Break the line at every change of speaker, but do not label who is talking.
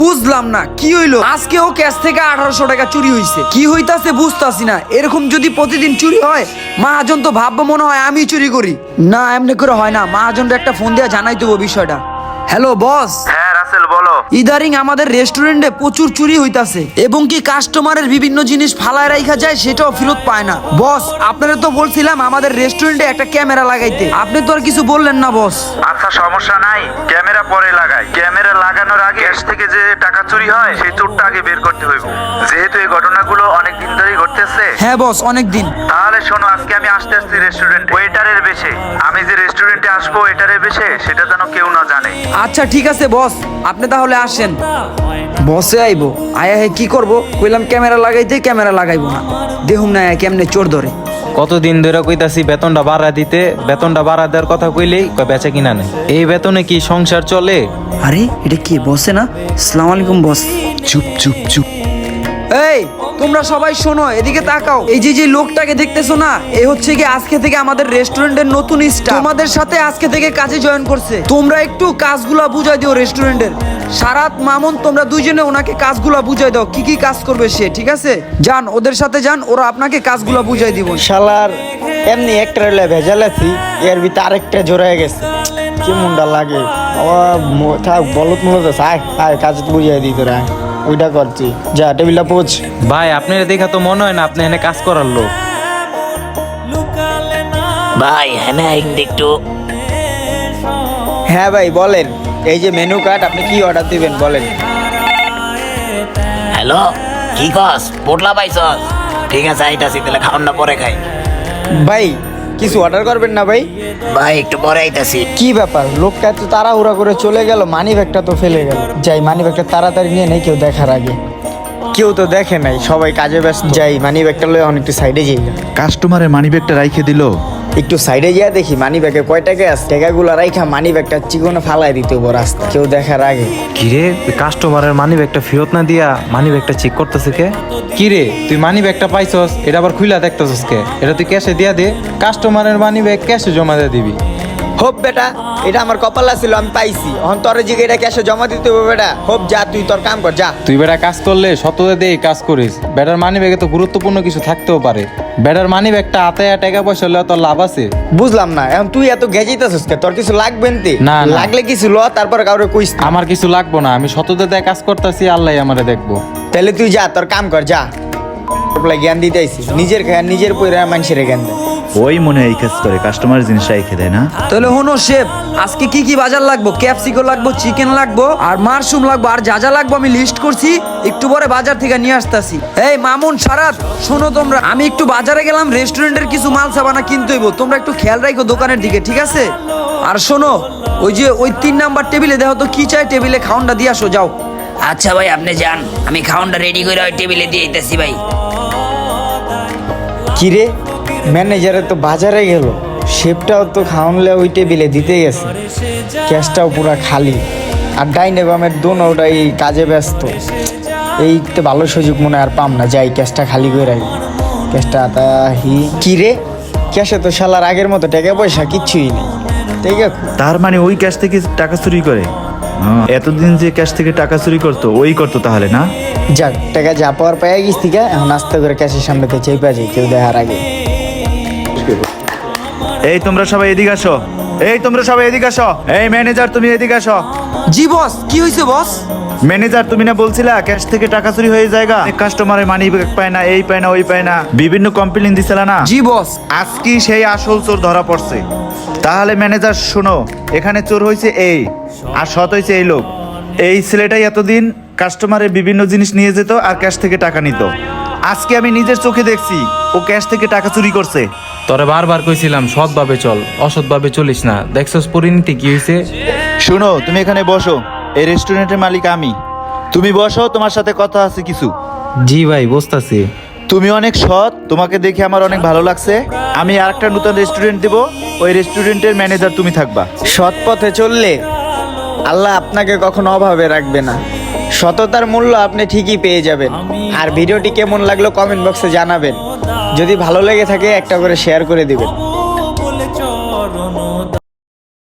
বুঝলাম না কি হইলো, আজকেও ক্যাশ থেকে 1800 টাকা চুরি হইছে। কি হইতাছে বুঝতাছি না। এরকম যদি প্রতিদিন চুরি হয়, মহাজন তো ভাববো মনে হয় আমি চুরি করি। না, এমনি করে হয় না। মহাজনটা একটা ফোন দিয়ে জানাই দেবো বিষয়টা। Hello boss.
হ্যাঁ রাসেল বলো।
ইদারিং আমাদের রেস্টুরেন্টে প্রচুর চুরি হইতাছে এবং কি কাস্টমারের বিভিন্ন জিনিস ফালায় রাখা যায়, সেটাও ফেরত পায় না। বস, আপনারা তো বলছিলাম আমাদের রেস্টুরেন্টে একটা ক্যামেরা লাগাইতে, আপনি তো আর কিছু বললেন না বস।
আচ্ছা সমস্যা নাই, ক্যামেরা পরে লাগাই। ক্যামেরা লাগানোর আগে ক্যাশ থেকে যে টাকা চুরি হয় সেই চোরটা আগে বের করতে হইব, যেহেতু এই ঘটনাগুলো অনেক দিন ধরেই ঘটতেছে।
হ্যাঁ বস, অনেক দিন।
তাহলে শোনো, আজকে আমি আসতে রেস্টুরেন্ট ওয়েটারের বেশে। আমি যে রেস্টুরেন্টে আসবো ওয়েটারের বেশে, সেটা যেন কেউ না জানে।
আচ্ছা ঠিক আছে বস, আপনি তাহলে আসেন। বসে আইবো, আয়া হে কি করবো, কইলাম ক্যামেরা লাগাইতে, ক্যামেরা লাগাইবো না। দেখুন না কেমনে চোর ধরে।
কতদিন ধরে কইতাছি বেতনটা বাড়া দিতে, বেতনটা বাড়া দেওয়ার কথা কইলেই কয় বেচা কিনা নেই। এই বেতনে কি সংসার চলে?
আরে এটা কি বসে না? আসসালামু আলাইকুম বস।
চুপ চুপ চুপ।
এই তোমরা সবাই শোনো, এদিকে তাকাও। এই যে লোকটাকে দেখতেছো না, এই হচ্ছে কি আজকে থেকে আমাদের রেস্টুরেন্টের নতুন স্টাফ। তোমাদের সাথে আজকে থেকে কাজে জয়েন করছে। তোমরা একটু কাজগুলা বুঝাই দিও রেস্টুরেন্টের। সারাত, মামুন, তোমরা দুইজনে ওনাকে কাজগুলা বুঝাই দাও, কি কি কাজ করবে সে, ঠিক আছে? যান ওদের সাথে যান, ওরা আপনাকে কাজগুলা বুঝাই দিব।
শালার এমনি একটা রেলে ভেজাল আছি, এর ভিতরে আরেকটা জোড়ায় গেছে। কি মুন্ডা লাগে থাক, বলত মূলত আয় আয়, কাজ বুঝিয়ে দিই তোরা। ওইটা করছি, যা টেবিলটা পোছ।
ভাই আপনার দেখা তো মনে হয় না আপনি এনে কাজ করার লোক।
ভাই হ্যাঁ একটু।
হ্যাঁ ভাই বলেন, এই যে মেনু কার্ড, আপনি কি অর্ডার দিবেন বলেন।
হ্যালো, কি কস পোটলা পাইছস? ঠিক আছে আইতাছি, তাহলে খাওয়ানটা পরে খাই।
ভাই কিছু অর্ডার করবেন না ভাই?
ভাই একটু পরে আইতাছি।
কি ব্যাপার, লোকটা এত তাড়াহুড়া করে চলে গেল, মানি ব্যাগটা তো ফেলে গেল। যাই মানি ব্যাগটা তাড়াতাড়ি নিয়ে নেই, কেউ দেখার আগে। কেউ তো দেখে নাই, সবাই কাজে ব্যস্ত। যাই মানি ব্যাগটা লয়ে অনেক একটু সাইডে যাই।
কাস্টমারের মানিব্যাগটা রাইখে দিল।
একটু সাইডে যা দেখি মানি ব্যাগে কয় টাকা আছে। টাকাগুলো রাইখা মানি ব্যাগটা চিকনে ফালাই দিতে হবো রাস্তা, কেউ দেখার আগে।
কিরে, কাস্টমারের মানি ব্যাগটা ফেরত না দিয়া মানি ব্যাগটা চেক করতেছে কে? কিরে তুই মানি ব্যাগটা পাইছস, এটা আবার খুইলা দেখতেছস কে? এটা তুই ক্যাশে দিয়া দে, কাস্টমারের মানি ব্যাগ ক্যাশে জমা দিয়ে দিবি।
হোপ বেটা, এটা আমার কপালা ছিল, আমি পাইছি। এখন তোর জিগে এটা ক্যাশে জমা দিতে হবে বেটা। হোপ যা, তুই তোর কাম কর যা।
তুই বেটা কাজ করলে সততা দিয়ে কাজ করিস। বেটার মানি ব্যাগে তো গুরুত্বপূর্ণ কিছু থাকতেও পারে। বেটার মানি ব্যাগটা হাতে টাকা পয়সা হলে তোর লাভ আছে।
বুঝলাম না, এখন তুই এত গেজিতেছিস কে? তোর কিছু লাগবে তে?
না, না।
লাগলে কিছু ল, তারপর কাউরে কইস না।
আমার কিছু লাগবো না, আমি সততা দিয়ে কাজ করতেছি, আল্লাহ আমারে দেখবো।
তাহলে তুই যা, তোর কাম কর যা। জ্ঞান দিতে আইছি, নিজের খায় নিজের পয়রা মানুষের জ্ঞান দেয়।
ওই মনে হয় এই কাজ করে, কাস্টমার জিনিস রাইখে দেয় না।
তাহলে হনো শেফ, আজকে কি কি বাজার লাগবো? ক্যাপসিকো লাগবো, চিকেন লাগবো, আর মাশরুম লাগবো, আর যা যা লাগবো আমি লিস্ট করছি। একটু পরে বাজার থেকে নিয়ে আসতেছি। এই মামুন, সারাত, শোনো তোমরা, আমি একটু বাজারে গেলাম, রেস্টুরেন্টের কিছু মাল সাবানা কিনতে হইব। তোমরা একটু খেয়াল রাখো দোকানের দিকে, ঠিক আছে? আর শোনো, ওই 3 নাম্বার টেবিলে দেখো তো কি চাই, টেবিলে খাওয়ানটা দিয়ে আসো, যাও।
আচ্ছা ভাই আপনি যান, আমি খাওয়ানটা রেডি করে ওই টেবিলে দিয়ে আইতাছি ভাই।
কিরে, ম্যানেজারে তো বাজারে গেল, শেফটাও তো খাওয়ানলে ওই টেবিলে দিতে গেছে, ক্যাশটাও পুরা খালি। আর ডাইনে বামের দোনোটাই কাজে ব্যস্ত। এই তো ভালো সুযোগ মনে আর পাম না, যাই ক্যাশটা খালি করে রাখি। ক্যাশটা তাহি কিরে, ক্যাশে তো শালার আগের মতো টাকা পয়সা কিচ্ছুই নেই। ঠিক আছে,
তার মানে ওই ক্যাশ থেকে টাকা চুরি করে? এতদিন যে ক্যাশ থেকে টাকা চুরি করতো ওই করতো তাহলে না?
যাক টাকা যা পাওয়ার পাইয়া গেছি, ঠিক আছে? এখন আস্তে করে ক্যাশের সামনেতে চেপা যাই, কেউ দেখার আগে।
এই তোমরা সবাই এদিকে আসো, এই তোমরা সবাই এদিকে আসো। এই ম্যানেজার তুমি এদিকে আসো।
জি বস, কি হয়েছে বস?
ম্যানেজার তুমি না বলছিলা ক্যাশ থেকে টাকা চুরি হয়ে জায়গা, কাস্টমারের মানি ব্যাগ পায় না, এই পায় না, ওই পায় না, বিভিন্ন কমপ্লেইন দিছিলা না?
জি বস।
আজকে সেই আসল চোর ধরা পড়ছে। তাহলে ম্যানেজার শোনো, এখানে চোর হয়েছে এই, আর সৎ হয়েছে এই লোক। এই ছেলেটাই এতদিন কাস্টমারের বিভিন্ন জিনিস নিয়ে যেত আর ক্যাশ থেকে টাকা নিত। আজকে আমি নিজের চোখে দেখছি ও ক্যাশ থেকে টাকা চুরি করছে।
তোরে বারবার কইছিলাম সৎভাবে চল, অসৎভাবে চলিস না। দেখছস পরিণতি কি হয়েছে।
শোনো, তুমি এখানে বসো, এই রেস্টুরেন্টের মালিক আমি। তুমি বসো, তোমার সাথে কথা আছে কিছু।
জি ভাই বুঝতাছি।
তুমি অনেক সৎ, তোমাকে দেখে আমার অনেক ভালো লাগছে। আমি আরেকটা নতুন রেস্টুরেন্ট দেব, ওই রেস্টুরেন্টের ম্যানেজার তুমি থাকবা।
সৎ পথে চললে আল্লাহ আপনাকে কখনো অভাবে রাখবে না। সততার মূল্য আপনি ঠিকই পেয়ে যাবেন। আর ভিডিওটি কেমন লাগলো কমেন্ট বক্সে জানাবেন। যদি ভালো লেগে থাকে একটা করে শেয়ার করে দিবেন।